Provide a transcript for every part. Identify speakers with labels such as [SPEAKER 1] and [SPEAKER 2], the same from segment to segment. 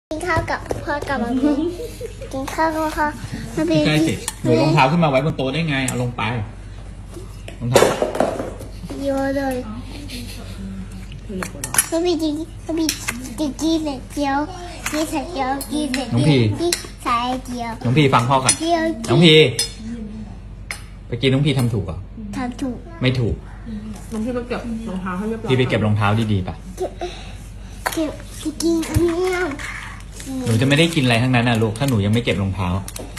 [SPEAKER 1] กินข้าวกับพ่อกับมามีกินข้าวกับพ่อมามี
[SPEAKER 2] ใช่สิหนูรองเท้าขึ้นมาไว้บนโต๊ะได้ไงเอาลงไปรองเท้า
[SPEAKER 1] เยอะเลยมามีกินมามีกินเจียวกินใส่เจียวกินใส่เจียวกินใส่เจียว
[SPEAKER 2] น้องพีฟังพ่อก่อน
[SPEAKER 1] เจียว
[SPEAKER 2] น้องพีไปกินน้องพีทำถูกเหรอ
[SPEAKER 1] ทำถูก
[SPEAKER 2] ไม่ถูก
[SPEAKER 3] น้องพี่ไปเก็บรองเท้าให้เรียบร้อย
[SPEAKER 2] พี่ไปเก็บรองเท้าดีๆป่ะ
[SPEAKER 1] เก็บกินอันนี้
[SPEAKER 2] หนูจะไม่ได้กินอะไรทั้งนั้นนะลูกถ้าหนูยังไม่เก็บรองเท้า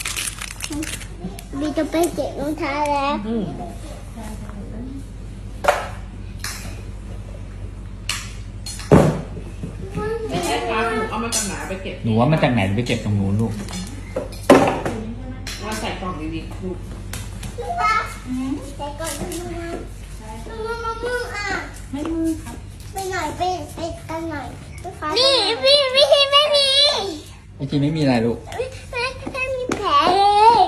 [SPEAKER 1] มีจะไปเก็บรองเท้าแล้ว
[SPEAKER 3] ไม่ใช่ครับหนูเอามาจากไหนไปเก็บ
[SPEAKER 2] หนูว่ามาจากไหนไปเก็บตรงนู้นลูก
[SPEAKER 3] ว่าใส่กล่องดีๆลูก
[SPEAKER 1] แต่ก่อนมืออ่ะไม่มือครับไปหน่อยไปกันหน่อยนี่พี่ไม่มี
[SPEAKER 2] เมื่อกี้ไม่มีอะไรลูก
[SPEAKER 1] ไม่มีแผลเลย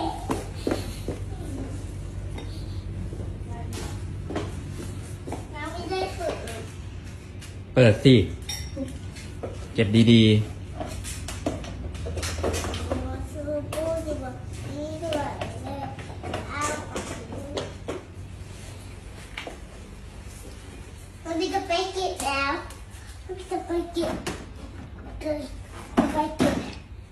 [SPEAKER 1] น้ำไม่ได้ฝึก
[SPEAKER 2] เปิดสิเก็บดี
[SPEAKER 1] พี่จะไปเก็บแล้วพี่จะไปเก็บเลยไปเก็บ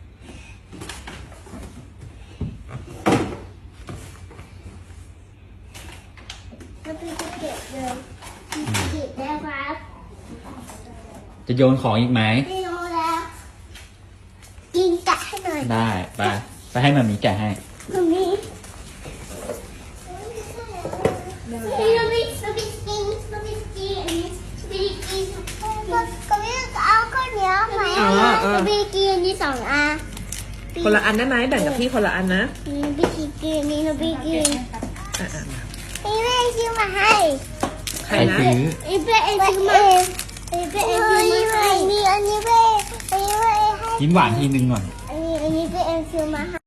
[SPEAKER 1] แล้วพี่จะเก็บเลยเก็บแล้วครับ
[SPEAKER 2] ๆจะโยนของอีกไหม
[SPEAKER 1] ไม่รู้แล้วกินกะให้หน่อย
[SPEAKER 2] ได้ไปให้มามีแกะให้
[SPEAKER 1] ตรงนี้พี่เราไม่กินอันนี้พี่กินก็ไม่เอาข้าวเหนียวไหมพี่กินอันนี้2 อัน
[SPEAKER 3] คนละอันได้ไหมแบ่งกับพี่คนละอันนะ
[SPEAKER 1] พี่กินนี่พี่กิน
[SPEAKER 3] อ่ะ
[SPEAKER 1] พี่แม่ซื้อมาให้
[SPEAKER 3] ใครนะ
[SPEAKER 2] ซื้อ
[SPEAKER 1] พี่แม่ซื้อมาพี่แม่ซื้อมาให้อันนี้พี่ให้
[SPEAKER 2] ยิ้มหวานทีนึงหน่อย
[SPEAKER 1] อันนี้พี่เอ็มซื้อมาให้